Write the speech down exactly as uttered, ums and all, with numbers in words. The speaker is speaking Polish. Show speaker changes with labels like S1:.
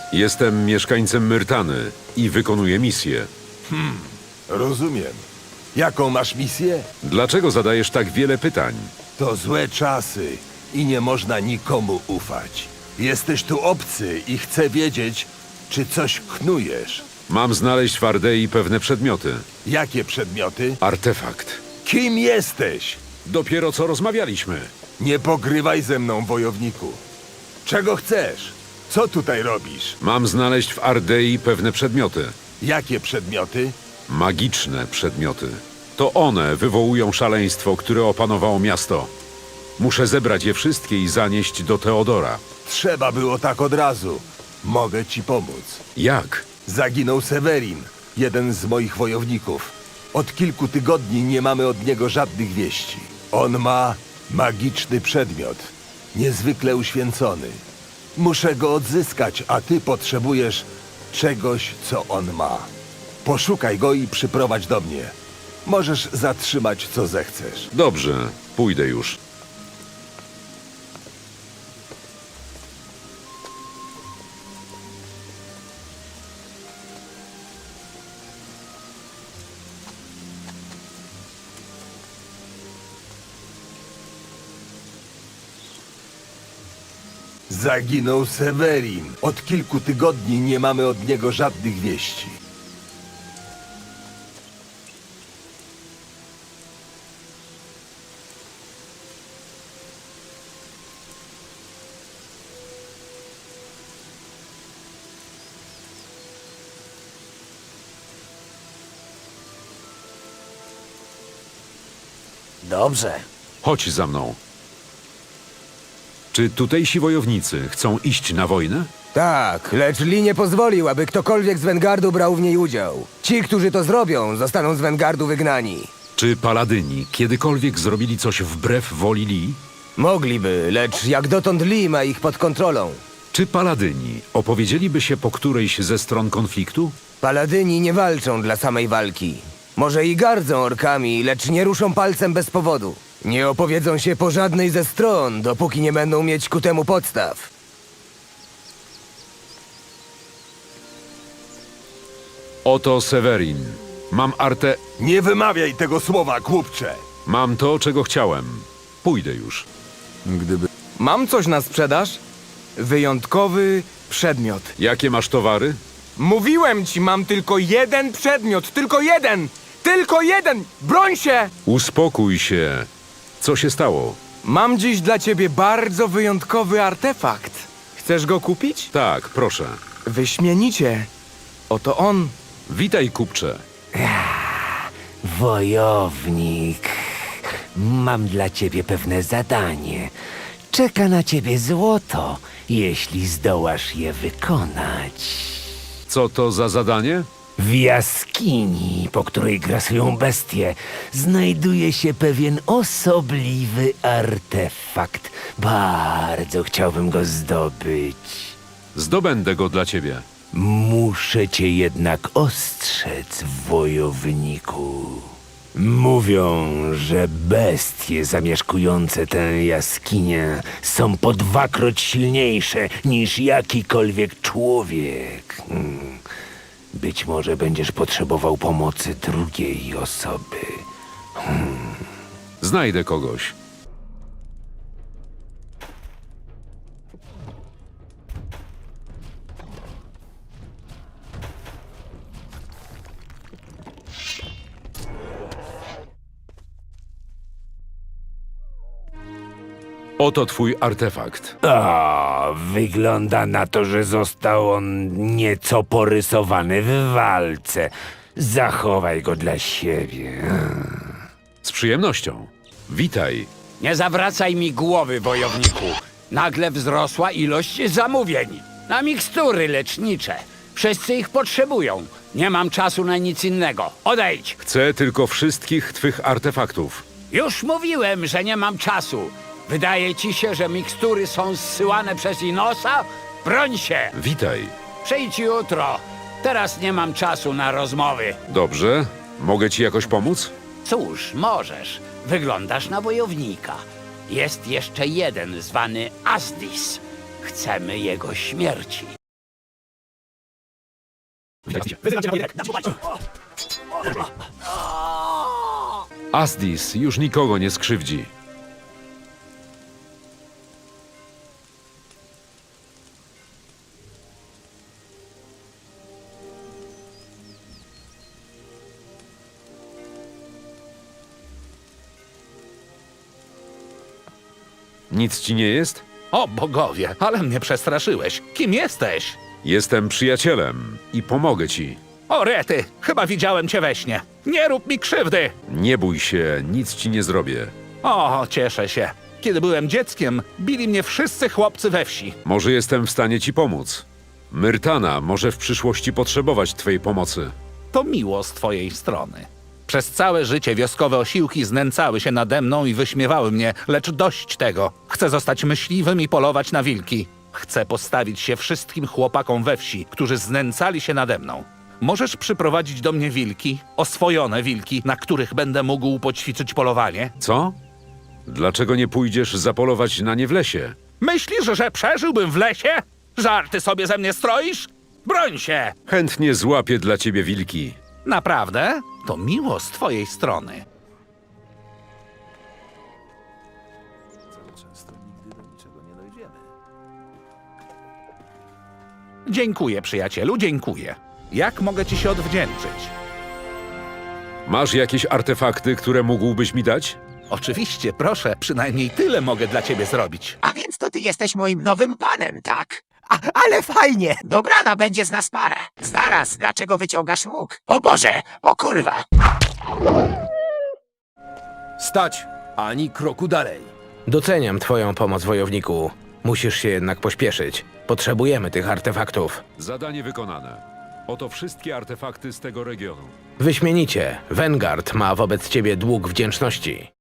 S1: Jestem mieszkańcem Myrtany i wykonuję misję.
S2: Rozumiem. Jaką masz misję?
S1: Dlaczego zadajesz tak wiele pytań?
S2: To złe czasy i nie można nikomu ufać. Jesteś tu obcy i chcę wiedzieć, czy coś knujesz.
S1: Mam znaleźć w Ardei pewne przedmioty.
S2: Jakie przedmioty?
S1: Artefakt.
S2: Kim jesteś?
S1: Dopiero co rozmawialiśmy.
S2: Nie pogrywaj ze mną, wojowniku. Czego chcesz? Co tutaj robisz?
S1: Mam znaleźć w Ardei pewne przedmioty.
S2: Jakie przedmioty?
S1: Magiczne przedmioty. To one wywołują szaleństwo, które opanowało miasto. Muszę zebrać je wszystkie i zanieść do Teodora.
S2: Trzeba było tak od razu. Mogę ci pomóc.
S1: Jak?
S2: Zaginął Severin, jeden z moich wojowników. Od kilku tygodni nie mamy od niego żadnych wieści. On ma magiczny przedmiot, niezwykle uświęcony. Muszę go odzyskać, a ty potrzebujesz czegoś, co on ma. Poszukaj go i przyprowadź do mnie. Możesz zatrzymać, co zechcesz.
S1: Dobrze, pójdę już.
S2: Zaginął Severin. Od kilku tygodni nie mamy od niego żadnych wieści.
S3: Dobrze.
S1: Chodź za mną. Czy tutejsi wojownicy chcą iść na wojnę?
S3: Tak, lecz Lee nie pozwolił, aby ktokolwiek z Wengardu brał w niej udział. Ci, którzy to zrobią, zostaną z Wengardu wygnani.
S1: Czy paladyni kiedykolwiek zrobili coś wbrew woli Lee?
S3: Mogliby, lecz jak dotąd Lee ma ich pod kontrolą.
S1: Czy paladyni opowiedzieliby się po którejś ze stron konfliktu?
S3: Paladyni nie walczą dla samej walki. Może i gardzą orkami, lecz nie ruszą palcem bez powodu. Nie opowiedzą się po żadnej ze stron, dopóki nie będą mieć ku temu podstaw.
S1: Oto Severin. Mam artę...
S2: Nie wymawiaj tego słowa, głupcze!
S1: Mam to, czego chciałem. Pójdę już.
S4: Mam coś na sprzedaż? Wyjątkowy przedmiot.
S1: Jakie masz towary?
S4: Mówiłem ci, mam tylko jeden przedmiot, tylko jeden! Tylko jeden! Broń się!
S1: Uspokój się. Co się stało?
S4: Mam dziś dla ciebie bardzo wyjątkowy artefakt. Chcesz go kupić?
S1: Tak, proszę.
S4: Wyśmienicie. Oto on.
S1: Witaj, kupcze.
S5: Wojownik, mam dla ciebie pewne zadanie. Czeka na ciebie złoto, jeśli zdołasz je wykonać.
S1: Co to za zadanie?
S5: W jaskini, po której grasują bestie, znajduje się pewien osobliwy artefakt. Bardzo chciałbym go zdobyć.
S1: Zdobędę go dla ciebie.
S5: Muszę cię jednak ostrzec, wojowniku. Mówią, że bestie zamieszkujące tę jaskinię są po dwakroć silniejsze niż jakikolwiek człowiek. Hmm. Być może będziesz potrzebował pomocy drugiej osoby.
S1: Znajdę kogoś. Oto twój artefakt.
S5: O, wygląda na to, że został on nieco porysowany w walce. Zachowaj go dla siebie.
S1: Z przyjemnością. Witaj.
S6: Nie zawracaj mi głowy, wojowniku. Nagle wzrosła ilość zamówień. Na mikstury lecznicze. Wszyscy ich potrzebują. Nie mam czasu na nic innego. Odejdź!
S1: Chcę tylko wszystkich twych artefaktów.
S6: Już mówiłem, że nie mam czasu. Wydaje ci się, że mikstury są zsyłane przez Inosa? Broń się!
S1: Witaj.
S6: Przyjdź jutro. Teraz nie mam czasu na rozmowy.
S1: Dobrze. Mogę ci jakoś pomóc?
S6: Cóż, możesz. Wyglądasz na wojownika. Jest jeszcze jeden zwany Asdis. Chcemy jego śmierci.
S1: Asdis już nikogo nie skrzywdzi. Nic ci nie jest?
S7: O bogowie, ale mnie przestraszyłeś. Kim jesteś?
S1: Jestem przyjacielem i pomogę ci.
S7: O rety, chyba widziałem cię we śnie. Nie rób mi krzywdy.
S1: Nie bój się, nic ci nie zrobię.
S7: O, cieszę się. Kiedy byłem dzieckiem, bili mnie wszyscy chłopcy we wsi.
S1: Może jestem w stanie ci pomóc. Myrtana może w przyszłości potrzebować twojej pomocy.
S7: To miło z twojej strony. Przez całe życie wioskowe osiłki znęcały się nade mną i wyśmiewały mnie, lecz dość tego. Chcę zostać myśliwym i polować na wilki. Chcę postawić się wszystkim chłopakom we wsi, którzy znęcali się nade mną. Możesz przyprowadzić do mnie wilki, oswojone wilki, na których będę mógł poćwiczyć polowanie?
S1: Co? Dlaczego nie pójdziesz zapolować na nie w lesie?
S7: Myślisz, że przeżyłbym w lesie? Żarty sobie ze mnie stroisz? Broń się!
S1: Chętnie złapię dla ciebie wilki.
S7: Naprawdę? To miło z twojej strony. Dziękuję, przyjacielu, dziękuję. Jak mogę ci się odwdzięczyć?
S1: Masz jakieś artefakty, które mógłbyś mi dać?
S7: Oczywiście, proszę, przynajmniej tyle mogę dla ciebie zrobić.
S8: A więc to ty jesteś moim nowym panem, tak? A, ale fajnie! Dobrana będzie z nas parę. Zaraz, dlaczego wyciągasz łuk? O Boże, o kurwa!
S3: Stać! Ani kroku dalej. Doceniam twoją pomoc, wojowniku. Musisz się jednak pośpieszyć. Potrzebujemy tych artefaktów.
S1: Zadanie wykonane. Oto wszystkie artefakty z tego regionu.
S3: Wyśmienicie. Vanguard ma wobec ciebie dług wdzięczności.